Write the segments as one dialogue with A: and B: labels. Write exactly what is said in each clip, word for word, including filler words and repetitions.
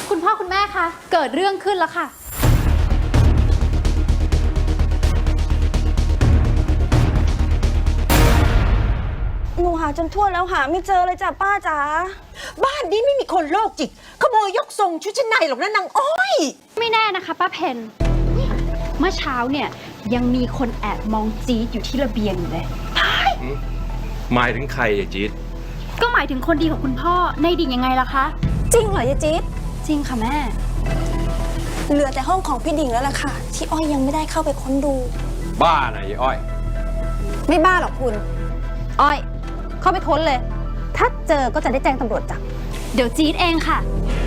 A: คุณพ่อคุณแม่คะเกิดเรื่องขึ้นแล้วค่ะ
B: หนูหาจนทั่วแล้วหาไม่เจอเลยจ้ะป้าจ๋า
C: บ้านนี้ไม่มีคนโรคจิตขโมยยกทรงชุดชั้นในหรอกนะนางอ้อย
A: ไม่แน่นะคะป้าเพนเมื่อเช้าเนี่ยยังมีคนแอบมองจี๊ดอยู่ที่ระเบียงอยู่เลย
D: หมายถึงใครอะจี๊ด
A: ก็หมายถึงคนดีของคุณพ่อในดิ่งยังไงล่ะคะ
B: จริงเหรอยายจี๊ด
A: จริงค่ะแม่
B: เหลือแต่ห้องของพี่ดิ่งแล้วล่ะค่ะที่อ้อยยังไม่ได้เข้าไปค้นดู
D: บ้าไหนอ้อย
B: ไม่บ้าหรอกคุณอ้อยเข้าไปค้นเลยถ้าเจอก็จะได้แจ้งตำรวจจับ
A: เดี๋ยวจี๊ดเองค่ะ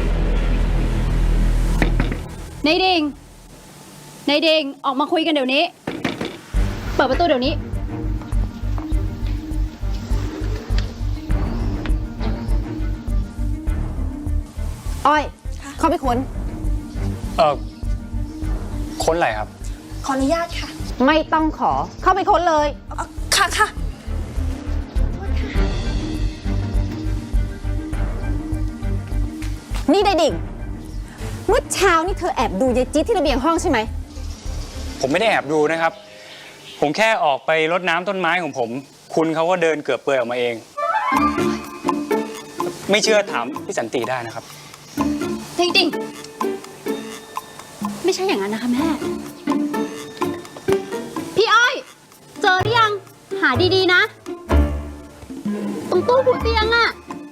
A: ในดิ่งในดิ่งออกมาคุยกันเดี๋ยวนี้เปิดประตูเดี๋ยวนี้
B: อ้อยเข้าไปค้น
E: เออค้นอะไรครับ
B: ขออนุญาตค่ะไม่ต้องขอเข้าไปค้นเลยค่ะค่ะนี่ได้ดิ่งเมื่อเช้านี่เธอแอบดูยายจี๊ดที่ระเบียงห้องใช่ไหม
E: ผมไม่ได้แอบดูนะครับผมแค่ออกไปรดน้ำต้นไม้ของผมคุณเขาก็เดินเกือบเปื่อยออกมาเองไม่เชื่อถามพี่สันติได้นะครับ
A: จริงๆไม่ใช่อย่างนั้นนะคะแม่พี่อ้อยเจอหรือยังหาดีๆนะตรงตู้หัวเตียงอะ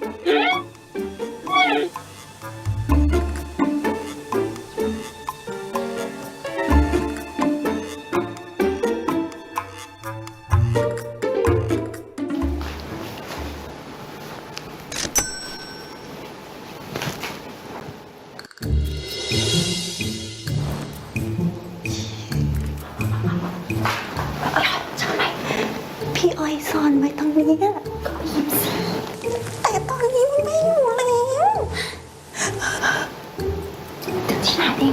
B: พี่อ้อยซ่อนไว้ตรงนี้ก็หยิบสิแต่ตอนนี้มันไม่อยู่แล้วเดี๋ยวที่ไหนเอง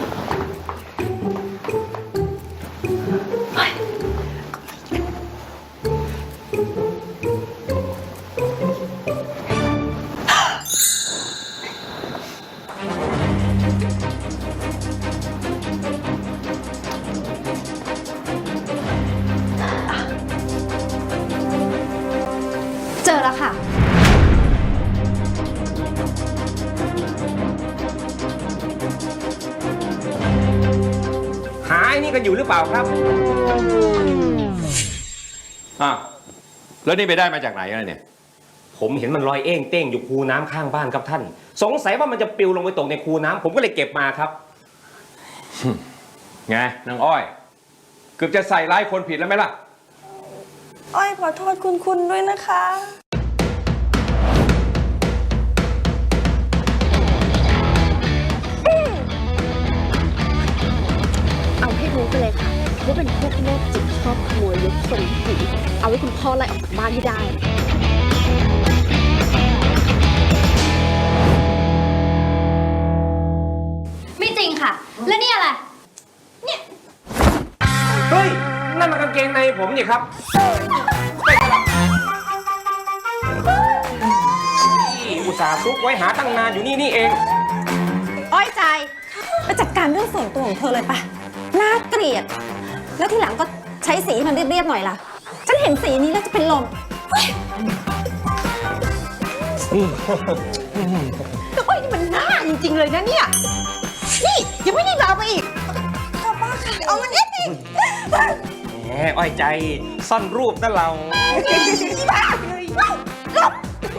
A: เจอแล้วค่ะ
D: หาไอ้นี่กันอยู่หรือเปล่าครับอ่ะแล้วนี่ไปได้มาจากไหนอะไรเนี่ย
F: ผมเห็นมันลอยเอ้งเต้งอยู่คูน้ำข้างบ้านครับท่านสงสัยว่ามันจะปลิวลงไปตกในคูน้ำผมก็เลยเก็บมาครับ
D: ไงนางอ้อยเกือบจะใส่ร้ายคนผิดแล้วไหมล่ะ
B: อ้อยขอโทษคุณคุณด้วยนะคะ
A: เอาให้รู้ไปเลยค่ะว่าเป็นพวกโรคจิตชอบขโมยยกทรงผีเอาไว้คุณพ่อไล่ออกจากบ้านให้ได้ไม่จริงค่ะแล้วนี่อะไรเนี่ย
F: เฮ้ยนั่นมันกางเกงในผมนี่ครับอุตส่าห์ซุกไว้หาตั้งนานอยู่นี่นี่เอง
B: อ้อยใจไปจัดการเรื่องส่วนตัวของเธอเลยปะน่าเกลียดแล้วทีหลังก็ใช้สีมันเรียบๆหน่อยล่ะฉันเห็นสีนี้แล้วจะเป็นลม
C: แต่อ้อยนี่มันน่าจริงๆเลยนะเนี่ยนี่ยังไม่ได้ลาไปอีก
B: ค่ะป้าค่ะเอามันเอ็ดดิ
F: แหมอ้อยใจซ่อนรูปนั่นเรา
C: บ้าเลยลบ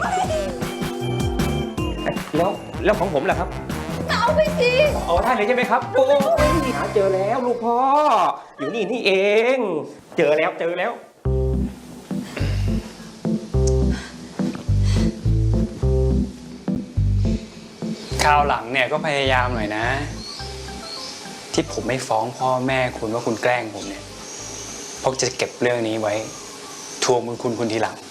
F: แล้วแล้วของผมล่ะครับ
C: เอาไปสิ
F: เอาได้เลยใช่ไหมครับโอ้ยหาเจอแล้วลูกพ่ออยู่นี่นี่เองเจอแล้วเจอแล้ว
E: คราวหลังเนี่ยก็พยายามหน่อยนะที่ผมไม่ฟ้องพ่อแม่คุณว่าคุณแกล้งผมเนี่ยเพราะจะเก็บเรื่องนี้ไว้ทวงบุญคุณคุณทีหลัง